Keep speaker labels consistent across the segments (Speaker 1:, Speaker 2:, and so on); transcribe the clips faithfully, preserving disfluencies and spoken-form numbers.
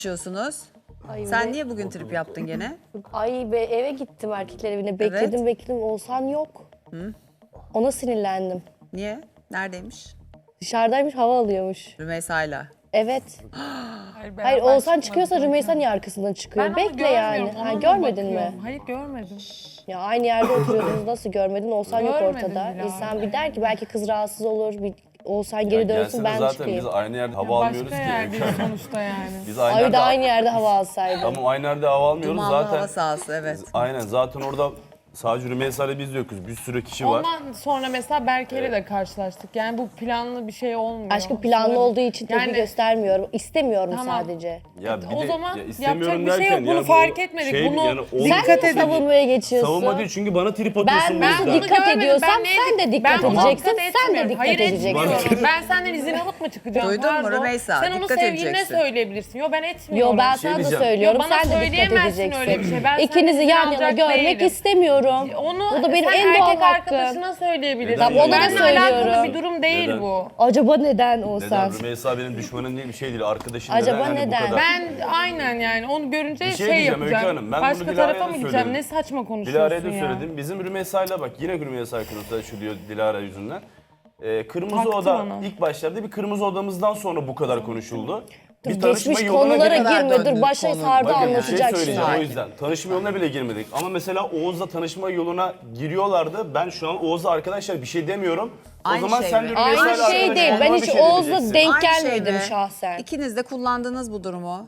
Speaker 1: konuşuyorsunuz.
Speaker 2: Ay
Speaker 1: Sen
Speaker 2: be.
Speaker 1: niye bugün trip yaptın gene?
Speaker 2: Ay be eve gittim erkekler evine. Bekledim
Speaker 1: Evet.
Speaker 2: bekledim. Oğuzhan yok.
Speaker 1: Hı?
Speaker 2: Ona sinirlendim.
Speaker 1: Niye? Neredeymiş?
Speaker 2: Dışarıdaymış, hava alıyormuş.
Speaker 1: Rümeysa'yla.
Speaker 2: Evet.
Speaker 3: Hayır,
Speaker 2: Hayır
Speaker 3: beraber
Speaker 2: Oğuzhan
Speaker 3: çıkmadık
Speaker 2: çıkıyorsa
Speaker 3: zaten.
Speaker 2: Rümeysa niye arkasından çıkıyor?
Speaker 3: Ben onu
Speaker 2: Bekle yani.
Speaker 3: görmüyorum,
Speaker 2: Ha,
Speaker 3: ona
Speaker 2: görmedin mi?
Speaker 3: bakıyorum. Hayır görmedim.
Speaker 2: Ya aynı yerde oturuyordunuz, nasıl görmedin? Oğuzhan yok
Speaker 3: Görmedim
Speaker 2: ortada.
Speaker 3: bile abi.
Speaker 2: İnsan bir der ki belki kız rahatsız olur. Bir Oğuzhan geri dönsün,
Speaker 4: Gelsene
Speaker 2: ben
Speaker 4: zaten
Speaker 2: çıkayım.
Speaker 4: biz aynı yerde hava almıyoruz
Speaker 3: Başka
Speaker 4: ki.
Speaker 3: yerdeyiz sonuçta yani.
Speaker 4: Biz aynı
Speaker 2: Ay bir
Speaker 4: yerde,
Speaker 2: de aynı yerde hava alsaydı.
Speaker 4: Tamam aynı yerde hava almıyoruz
Speaker 1: Dumanlı
Speaker 4: zaten.
Speaker 1: hava sahası, evet.
Speaker 4: Aynen zaten orada sadece Rümeysa ile biz yokuz. Bir sürü kişi var.
Speaker 3: Ondan sonra mesela Berke'yle de karşılaştık. Yani bu planlı bir şey olmuyor.
Speaker 2: Aşkım planlı
Speaker 3: Sonra-
Speaker 2: olduğu için tepki
Speaker 3: Yani-
Speaker 2: göstermiyorum. İstemiyorum
Speaker 3: Tamam.
Speaker 2: sadece.
Speaker 4: Ya bir
Speaker 3: O
Speaker 4: de-
Speaker 3: zaman
Speaker 4: ya istemiyorum
Speaker 3: yapacak bir şey
Speaker 4: derken
Speaker 3: yok. Bunu
Speaker 4: ya bu
Speaker 3: fark etmedik.
Speaker 4: şey-
Speaker 3: Bunu
Speaker 4: yani o-
Speaker 2: Sen
Speaker 3: dikkat
Speaker 2: de
Speaker 3: edin.
Speaker 2: savunmaya geçiyorsun.
Speaker 4: Savunma değil çünkü bana trip atıyorsun
Speaker 2: Ben,
Speaker 4: bu
Speaker 2: ben
Speaker 4: yüzden.
Speaker 2: dikkat
Speaker 3: görmedim.
Speaker 2: ediyorsam
Speaker 3: Ben neye
Speaker 2: sen de
Speaker 3: dik-
Speaker 2: dikkat
Speaker 3: ben ona
Speaker 2: edeceksin.
Speaker 3: dikkat
Speaker 2: Sen de
Speaker 3: etmiyorum.
Speaker 2: dikkat
Speaker 3: Hayır,
Speaker 2: edeceksin.
Speaker 3: etmiyorum. Ben senden izin alıp mı çıkacağım?
Speaker 1: Duydun mu
Speaker 3: Pardon.
Speaker 1: Rümeysa?
Speaker 3: Sen onu
Speaker 1: Dikkat
Speaker 3: sevgiline
Speaker 1: edeceksin.
Speaker 3: söyleyebilirsin. Yo ben etmiyorum.
Speaker 2: Yo ben
Speaker 4: şey
Speaker 2: sana da
Speaker 4: diyeceğim.
Speaker 2: söylüyorum.
Speaker 3: Yo, bana
Speaker 2: Sen de dikkat
Speaker 3: söyleyemezsin
Speaker 2: edeceksin.
Speaker 3: öyle bir şey. Ben
Speaker 2: İkinizi
Speaker 3: senden
Speaker 2: yan
Speaker 3: izin
Speaker 2: yana
Speaker 3: alacak
Speaker 2: görmek
Speaker 3: değilim.
Speaker 2: istemiyorum.
Speaker 3: Onu
Speaker 2: Bu da benim
Speaker 3: sen
Speaker 2: en doğal
Speaker 3: erkek
Speaker 2: hakkım.
Speaker 3: arkadaşına söyleyebilirsin.
Speaker 4: Tamam, ona da
Speaker 3: Benimle
Speaker 2: söylüyorum.
Speaker 3: alakalı bir durum değil
Speaker 4: Neden?
Speaker 3: bu.
Speaker 2: Acaba neden Oğuzhan?
Speaker 4: Neden? Rümeysa benim düşmanım değil, bir şey değil. Arkadaşım
Speaker 2: Acaba
Speaker 4: neden? Yani bu
Speaker 2: neden?
Speaker 4: kadar.
Speaker 3: Ben aynen yani onu görünce
Speaker 4: Bir şey
Speaker 3: şey,
Speaker 4: diyeceğim Öykü
Speaker 3: yapacağım.
Speaker 4: Hanım, ben bunu
Speaker 3: Başka
Speaker 4: Dilara'ya
Speaker 3: tarafa
Speaker 4: da
Speaker 3: mı gideceğim?
Speaker 4: söyledim.
Speaker 3: Ne saçma konuşuyorsun
Speaker 4: Dilara'ya da
Speaker 3: ya.
Speaker 4: söyledim. Bizim Rümeysa'yla bak yine Rümeysa konusunda şu diyor Dilara yüzünden. Ee, kırmızı
Speaker 3: Taktı
Speaker 4: oda
Speaker 3: bana.
Speaker 4: ilk başlarda bir kırmızı odamızdan sonra bu kadar konuşuldu.
Speaker 2: Dur,
Speaker 4: Bir tanışma
Speaker 2: geçmiş
Speaker 4: yoluna
Speaker 2: konulara
Speaker 4: bile-
Speaker 1: kadar
Speaker 2: girme. Dur
Speaker 1: döndün
Speaker 2: başa
Speaker 1: konu.
Speaker 2: sardı
Speaker 4: Bakın bir şey
Speaker 2: anlatacak
Speaker 4: söyleyeceğim
Speaker 2: şimdi.
Speaker 4: o yüzden. Tanışma yoluna bile girmedik. Ama mesela Oğuz'la tanışma yoluna giriyorlardı. Ben şu an Oğuz'la arkadaşlar bir şey demiyorum. O
Speaker 1: Aynı
Speaker 4: zaman
Speaker 1: şey
Speaker 4: sen
Speaker 1: mi?
Speaker 4: de Rümeysa'yla
Speaker 2: Aynı şey
Speaker 4: arkadaş
Speaker 2: değil.
Speaker 4: olmana
Speaker 2: Ben
Speaker 4: bir
Speaker 2: hiç
Speaker 4: şey
Speaker 2: Oğuz'la
Speaker 4: diyeceksin.
Speaker 2: denk
Speaker 1: Aynı şey
Speaker 2: gelmedim
Speaker 1: mi?
Speaker 2: şahsen.
Speaker 1: İkiniz de kullandınız bu durumu.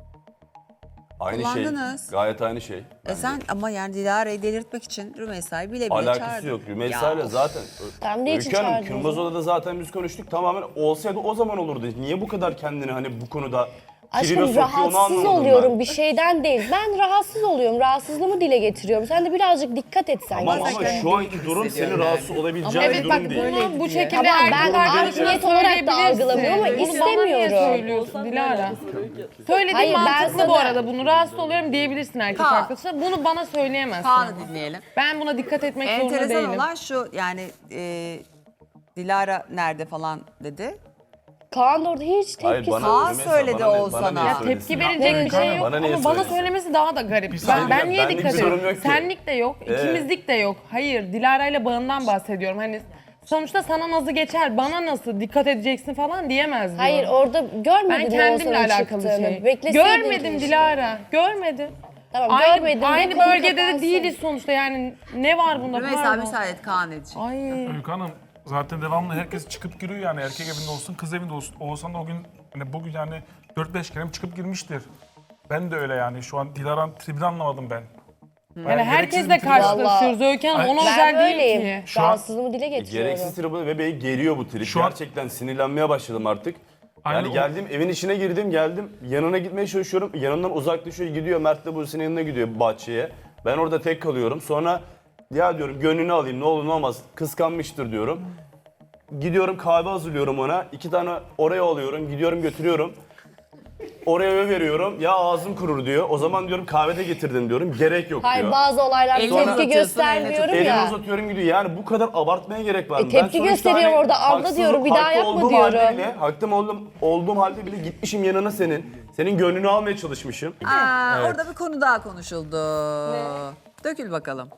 Speaker 4: Aynı şey.
Speaker 1: kullandınız.
Speaker 4: Gayet aynı şey.
Speaker 1: E
Speaker 4: bence.
Speaker 1: sen ama yani Dilara'yı delirtmek için Rümeysa'yı bile bile
Speaker 4: Alakası
Speaker 1: çağırdın.
Speaker 4: yok. Rümeysa'yla
Speaker 1: Ya,
Speaker 4: zaten.
Speaker 2: Tam ne için
Speaker 4: Öykü Hanım,
Speaker 2: çağırdınız?
Speaker 4: Kırmızı Oda'da zaten biz konuştuk. Tamamen olsaydı o zaman olurdu. Niye bu kadar kendini hani bu konuda tribe
Speaker 2: Aşkım
Speaker 4: sokuyor onu
Speaker 2: rahatsız
Speaker 4: anlamadım
Speaker 2: oluyorum
Speaker 4: ben.
Speaker 2: bir şeyden değil. Ben rahatsız oluyorum. Rahatsızlığımı dile getiriyorum. Sen de birazcık dikkat et sen.
Speaker 4: Tamam
Speaker 2: ya.
Speaker 4: ama
Speaker 1: kendini
Speaker 4: şu anki
Speaker 1: iyi
Speaker 4: durum
Speaker 1: hissediyorum
Speaker 4: senin
Speaker 1: yani.
Speaker 4: rahatsız olabileceğin
Speaker 3: Evet
Speaker 4: bir
Speaker 3: bak
Speaker 4: durum değil.
Speaker 3: bunu bu şekilde
Speaker 2: Tamam, ben
Speaker 3: erkek
Speaker 2: art
Speaker 3: arkadaşına
Speaker 2: niyet olarak da
Speaker 3: söyleyebilirsin.
Speaker 2: algılamıyorum ama
Speaker 3: Bunu bana niye
Speaker 2: istemiyorum.
Speaker 3: söylüyorsun Dilara? Söylediğin
Speaker 2: Hayır, ben
Speaker 3: mantıklı
Speaker 2: sana-
Speaker 3: bu arada. Bunu rahatsız oluyorum diyebilirsin erkek
Speaker 1: Kaan.
Speaker 3: arkadaşına. Bunu bana söyleyemezsin.
Speaker 1: Kaan'ı
Speaker 3: ama.
Speaker 1: dinleyelim.
Speaker 3: Ben buna dikkat etmek zorunda
Speaker 1: Enteresan
Speaker 3: değilim.
Speaker 1: olan şu yani e, Dilara nerede falan dedi.
Speaker 2: Kaan da orada hiç
Speaker 4: Hayır,
Speaker 2: tepkisi.
Speaker 4: bana-
Speaker 1: Kaan
Speaker 4: Rümeysa,
Speaker 1: söyledi
Speaker 4: bana ne-
Speaker 1: Oğuzhan'a.
Speaker 4: bana niye
Speaker 1: Ya
Speaker 4: söylesin?
Speaker 3: Tepki verecek bir şey yok
Speaker 4: Bana niye
Speaker 3: ama bana
Speaker 4: söylesin?
Speaker 3: söylemesi daha da garip. Ben,
Speaker 4: saniye,
Speaker 3: ben niye
Speaker 4: benlik
Speaker 3: dikkat
Speaker 4: bir sorun
Speaker 3: ediyorum?
Speaker 4: yok ki.
Speaker 3: Senlik de yok,
Speaker 4: Ee?
Speaker 3: ikimizlik de yok. Hayır, Dilara ile bağından bahsediyorum. Hani sonuçta sana nasıl geçer, bana nasıl dikkat edeceksin falan diyemez diyorum.
Speaker 2: Hayır orada görmedin
Speaker 3: ben
Speaker 2: mi
Speaker 3: kendimle
Speaker 2: Oğuzhan'ın
Speaker 3: alakalı bir
Speaker 2: çıktığını?
Speaker 3: şey.
Speaker 2: Bekleseydin
Speaker 3: Görmedim
Speaker 2: keşke.
Speaker 3: Dilara, görmedim.
Speaker 2: Tamam
Speaker 3: Aynı,
Speaker 2: görmedin. de
Speaker 3: aynı
Speaker 2: konu
Speaker 3: bölgede de
Speaker 2: kapansın.
Speaker 3: değiliz sonuçta yani ne var bunda
Speaker 1: Rümeysa
Speaker 3: pardon.
Speaker 1: müsaade et Kaan edecek.
Speaker 3: Ay.
Speaker 5: Öykü Hanım zaten devamlı herkes çıkıp giriyor yani erkek evinde olsun kız evinde olsun. Oğuzhan da o gün hani bugün yani dört beş kere çıkıp girmiştir. Ben de öyle yani şu an Dilara'nın tribini anlamadım ben.
Speaker 3: Yani
Speaker 5: gereksiz
Speaker 3: herkesle
Speaker 5: bir trip-
Speaker 3: karşılaşıyoruz Öykü Hanım,
Speaker 5: Ay-
Speaker 3: ona
Speaker 2: Ben
Speaker 3: özel değil
Speaker 2: böyleyim.
Speaker 3: ki.
Speaker 5: Şu an-
Speaker 2: Rahatsızlığımı dile getiriyorum.
Speaker 4: Gereksiz tribe ve beni geriyor bu trip.
Speaker 5: Şu an-
Speaker 4: Gerçekten sinirlenmeye başladım artık.
Speaker 5: Aynen
Speaker 4: Yani
Speaker 5: o-
Speaker 4: geldim evin içine girdim geldim yanına gitmeye çalışıyorum. Yanımdan uzaklaşıyor gidiyor Mert'le Buse'nin yanına gidiyor bahçeye. Ben orada tek kalıyorum. Sonra ya diyorum gönlünü alayım ne olur ne olmaz kıskanmıştır diyorum. Gidiyorum kahve hazırlıyorum ona. İki tane oraya alıyorum gidiyorum götürüyorum. Oraya veriyorum ya ağzım kurur diyor. O zaman diyorum kahvede getirdim diyorum. Gerek yok
Speaker 2: Hayır
Speaker 4: diyor.
Speaker 2: bazı olaylar
Speaker 1: Elini
Speaker 2: tepki
Speaker 1: uzatıyorsun,
Speaker 2: göstermiyorum
Speaker 1: elini
Speaker 4: Elimi
Speaker 2: ya.
Speaker 4: uzatıyorum gidiyor. Yani bu kadar abartmaya gerek var mı?
Speaker 2: E, tepki
Speaker 4: sonuçta
Speaker 2: gösteriyorum
Speaker 4: hani
Speaker 2: orada, abla
Speaker 4: haksız-
Speaker 2: diyorum, bir daha
Speaker 4: haklı
Speaker 2: yapma
Speaker 4: olduğum
Speaker 2: diyorum.
Speaker 4: halde bile, hakkım olduğum, olduğum halde bile gitmişim yanına senin. Senin gönlünü almaya çalışmışım.
Speaker 1: Aa, Orada bir konu daha konuşuldu. Dökül bakalım.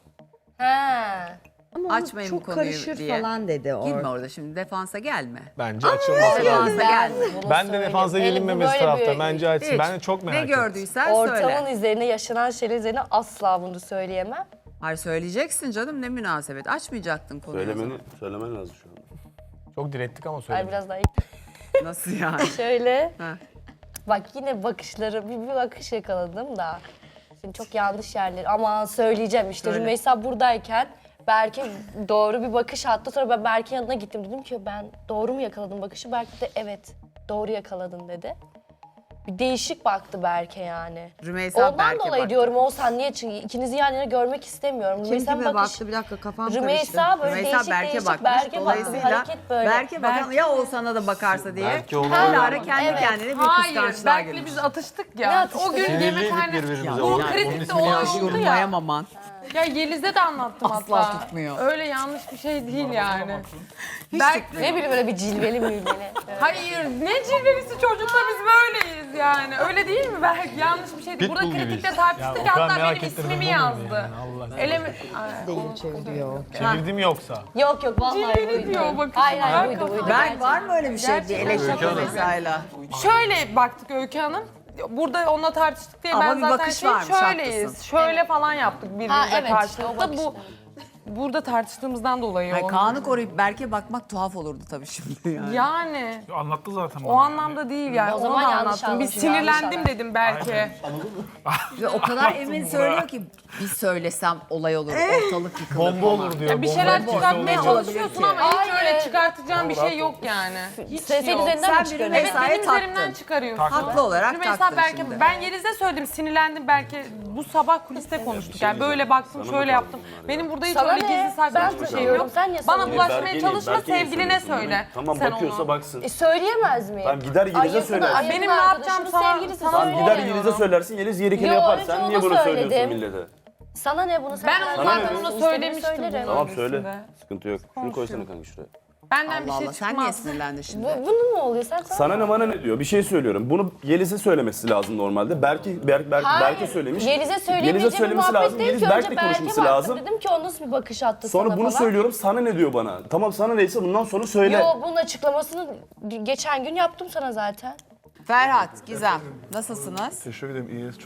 Speaker 2: Ha.
Speaker 1: Açmayın bu
Speaker 6: çok
Speaker 1: konuyu
Speaker 6: karışır
Speaker 1: diye.
Speaker 6: falan dedi
Speaker 1: Girme
Speaker 6: orada.
Speaker 1: orada şimdi defansa gelme.
Speaker 7: Bence açılması lazım.
Speaker 1: Defansa gelme.
Speaker 7: Ben de defansa gelinmemesi tarafta. Bence açsın.
Speaker 1: Hiç.
Speaker 7: Ben de çok merak
Speaker 1: Ne
Speaker 7: ettim.
Speaker 1: gördüysen
Speaker 2: Ortamın
Speaker 1: söyle.
Speaker 2: üzerine yaşanan şeyler üzerine asla bunu söyleyemem.
Speaker 1: Hayır söyleyeceksin canım ne münasebet. Açmayacaktın konuyu o
Speaker 4: Söylemeni,
Speaker 1: zaman.
Speaker 4: söylemen lazım şu an.
Speaker 7: Çok direttik ama
Speaker 2: Ay
Speaker 7: söylemedim.
Speaker 2: biraz daha
Speaker 1: Nasıl yani?
Speaker 2: şöyle.
Speaker 1: Ha.
Speaker 2: Bak yine bakışları, bir, bir bakış yakaladım da. Şimdi çok yanlış yerler. Aman söyleyeceğim işte.
Speaker 1: Söyle.
Speaker 2: Rümeysa buradayken Berke doğru bir bakış attı. Sonra ben Berke'nin yanına gittim. Dedim ki ben doğru mu yakaladım bakışı? Berke de evet doğru yakaladın dedi. Bir değişik baktı Berke yani.
Speaker 1: Rümeysa
Speaker 2: Ondan
Speaker 1: Berke
Speaker 2: dolayı
Speaker 1: baktı.
Speaker 2: diyorum Oğuzhan niye çık? İkinizi yan yana görmek istemiyorum.
Speaker 6: Kim
Speaker 2: Rümeysa'nın
Speaker 6: kime
Speaker 2: bakış-
Speaker 6: baktı bir dakika kafam
Speaker 2: Rümeysa
Speaker 6: karıştı.
Speaker 2: böyle
Speaker 1: Rümeysa
Speaker 2: değişik
Speaker 1: Berke
Speaker 2: değişik
Speaker 1: bakmış.
Speaker 2: Berke baktı.
Speaker 1: Dolayısıyla
Speaker 2: Hareket böyle.
Speaker 1: Berke bakan ya Oğuzhan'a da bakarsa diye.
Speaker 7: Belki olur.
Speaker 1: Dilara kendi
Speaker 2: Evet.
Speaker 1: kendine bir
Speaker 3: Hayır,
Speaker 1: kıskançlığa
Speaker 3: belki
Speaker 1: girmiş.
Speaker 3: biz atıştık
Speaker 2: Ne
Speaker 3: ya.
Speaker 2: atıştık?
Speaker 3: O gün
Speaker 7: Sinirliydik
Speaker 3: yemekhane...
Speaker 7: birbirimize.
Speaker 3: Bu
Speaker 7: Onun- onun
Speaker 3: kritikte
Speaker 7: ismini
Speaker 3: olan
Speaker 7: yanlış
Speaker 3: oldu ya.
Speaker 1: Yorumlayamaman.
Speaker 3: Ya Yeliz'e de anlattım
Speaker 1: Asla
Speaker 3: hatta.
Speaker 1: tutmuyor.
Speaker 3: Öyle yanlış bir şey değil yani.
Speaker 2: Ne bileyim böyle bir cilveli mülveli.
Speaker 3: Hayır ne cilvelisi çocukla biz böyleyiz yani. Öyle değil mi Berk? Yanlış bir şeydi. Burada
Speaker 7: Pitbull
Speaker 3: kritikte
Speaker 7: gibiyiz.
Speaker 3: tartıştık
Speaker 7: Ya, o
Speaker 3: ya,
Speaker 7: kadar
Speaker 3: hatta
Speaker 7: merak
Speaker 3: benim
Speaker 7: ettirdim,
Speaker 3: ismimi
Speaker 7: bu muydu
Speaker 3: yazdı.
Speaker 7: yani? Allah aşkına.
Speaker 3: Elemi...
Speaker 7: Çevirdi mi yoksa?
Speaker 2: Yok yok vallahi
Speaker 3: Cilveli
Speaker 2: buydu.
Speaker 3: diyor bakın.
Speaker 2: Hayır hayır
Speaker 3: Berk
Speaker 2: buydu buydu.
Speaker 1: Ben var mı öyle bir şey? Bir
Speaker 3: Gerçekten.
Speaker 1: eleştiri vesaire.
Speaker 3: Şöyle baktık Öykü Hanım. Burada onunla tartıştık diye
Speaker 1: Ama
Speaker 3: ben
Speaker 1: bir
Speaker 3: zaten
Speaker 1: bakış
Speaker 3: şey
Speaker 1: varmış,
Speaker 3: şöyleyiz.
Speaker 1: haklısın.
Speaker 3: Şöyle falan yaptık birbirimize
Speaker 2: Ha, evet,
Speaker 3: karşı.
Speaker 2: işte o
Speaker 3: Da bu
Speaker 2: bakışlar.
Speaker 3: burada tartıştığımızdan dolayı
Speaker 1: Hayır,
Speaker 3: oldu.
Speaker 1: Kaan'ı koruyup Berk'e bakmak tuhaf olurdu tabii şimdi yani.
Speaker 3: Yani
Speaker 5: Ya anlattı zaten
Speaker 3: o
Speaker 5: bana.
Speaker 3: anlamda değil yani.
Speaker 2: O
Speaker 3: Onu
Speaker 2: zaman
Speaker 3: da
Speaker 2: yanlış
Speaker 3: anlattım. Bir
Speaker 2: anlamışım, yanlış
Speaker 3: sinirlendim
Speaker 2: anladım.
Speaker 3: dedim Berk'e.
Speaker 1: Ve o kadar emin söylüyor ki bir söylesem olay olur, ortalık yıkılır
Speaker 7: Bomba
Speaker 1: falan.
Speaker 7: olur diyor.
Speaker 3: Ya bir
Speaker 7: bomba
Speaker 3: şeyler
Speaker 7: olmaz.
Speaker 3: çıkartmaya
Speaker 1: olabilir
Speaker 3: çalışıyorsun
Speaker 1: ki?
Speaker 3: ama hiç
Speaker 2: Aynen.
Speaker 3: öyle çıkartacağın bir şey yok yani. Hiç
Speaker 2: Senin
Speaker 3: yok.
Speaker 2: üzerinden
Speaker 1: Sen
Speaker 2: mi çıkıyorsun?
Speaker 1: birine
Speaker 3: Evet
Speaker 1: mesai
Speaker 3: benim üzerimden
Speaker 1: taktın.
Speaker 3: çıkarıyorsun.
Speaker 1: Haklı olarak
Speaker 3: Rümeysa
Speaker 1: taktın
Speaker 3: Berke,
Speaker 1: şimdi.
Speaker 3: ben Yeliz'e söyledim, sinirlendim Berke. Bu sabah kuliste konuştuk yani böyle baktım, şöyle yaptım. Benim burada hiç
Speaker 2: Sana
Speaker 3: öyle
Speaker 2: ne?
Speaker 3: gizli saklı
Speaker 2: Ben
Speaker 3: hiçbir şey
Speaker 2: söylüyorum,
Speaker 3: yok.
Speaker 2: sen niye
Speaker 3: Bana
Speaker 2: söylüyorsun?
Speaker 3: bulaşmaya
Speaker 4: Berke'nin-
Speaker 3: çalışma,
Speaker 4: Berke'nin
Speaker 3: sevgiline
Speaker 4: söylüyorsun
Speaker 3: söyle.
Speaker 4: bunu. Tamam
Speaker 3: Sen
Speaker 4: bakıyorsa
Speaker 3: onu.
Speaker 4: baksın.
Speaker 2: E söyleyemez mi?
Speaker 4: Tamam, gider Yeliz'e
Speaker 2: Ay, yakın-
Speaker 4: söyler.
Speaker 2: ay,
Speaker 3: Benim
Speaker 2: yakın
Speaker 3: ne yapacağım
Speaker 2: arkadaşımın
Speaker 3: sana-
Speaker 2: sevgilisi
Speaker 3: sana
Speaker 4: Tamam
Speaker 2: söyleyemiyor.
Speaker 4: gider Yeliz'e söylersin, Yeliz gerekeni
Speaker 2: Yo,
Speaker 4: yapar.
Speaker 2: önce
Speaker 4: Sen
Speaker 2: ona
Speaker 4: niye bunu söylüyorsun
Speaker 2: söyledim.
Speaker 4: millete?
Speaker 2: Sana ne bunu sen
Speaker 3: Ben
Speaker 2: karar
Speaker 3: onu
Speaker 4: Sana
Speaker 3: zaten
Speaker 4: ne?
Speaker 3: ona
Speaker 2: İstediğimi
Speaker 3: söylemiştim.
Speaker 2: söylerim.
Speaker 3: bunu.
Speaker 4: Tamam söyle.
Speaker 3: öncesinde.
Speaker 4: Sıkıntı yok. Şunu koysana kanka şuraya.
Speaker 3: Benden bir
Speaker 1: Allah
Speaker 3: şey
Speaker 1: Allah, sen niye
Speaker 3: çıkmaz.
Speaker 1: sinirlendin şimdi?
Speaker 2: Bu, bunun mu oluyor? Sen sana,
Speaker 4: Sana ne bana ne diyor? Bir şey söylüyorum. Bunu Yeliz'e söylemesi lazım normalde. Berke Berk, Berk,
Speaker 2: Hayır,
Speaker 4: Berke söylemiş.
Speaker 2: Yeliz'e
Speaker 4: Yeliz'e
Speaker 2: söyleyemeyeceğim bir
Speaker 4: söylemesi
Speaker 2: muhabbet
Speaker 4: lazım.
Speaker 2: değil
Speaker 4: Yeliz
Speaker 2: ki.
Speaker 4: Berk'le
Speaker 2: Önce Berk'e
Speaker 4: konuşması
Speaker 2: baktım.
Speaker 4: lazım.
Speaker 2: Dedim ki o nasıl bir bakış attı
Speaker 4: Sonra
Speaker 2: sana
Speaker 4: bunu
Speaker 2: falan.
Speaker 4: söylüyorum. Sana ne diyor bana? Tamam sana neyse bundan sonra söyle.
Speaker 2: Yo bunun açıklamasını geçen gün yaptım sana zaten.
Speaker 1: Ferhat, Gizem nasılsınız?
Speaker 6: Teşekkür ederim. İyiyiz. Çok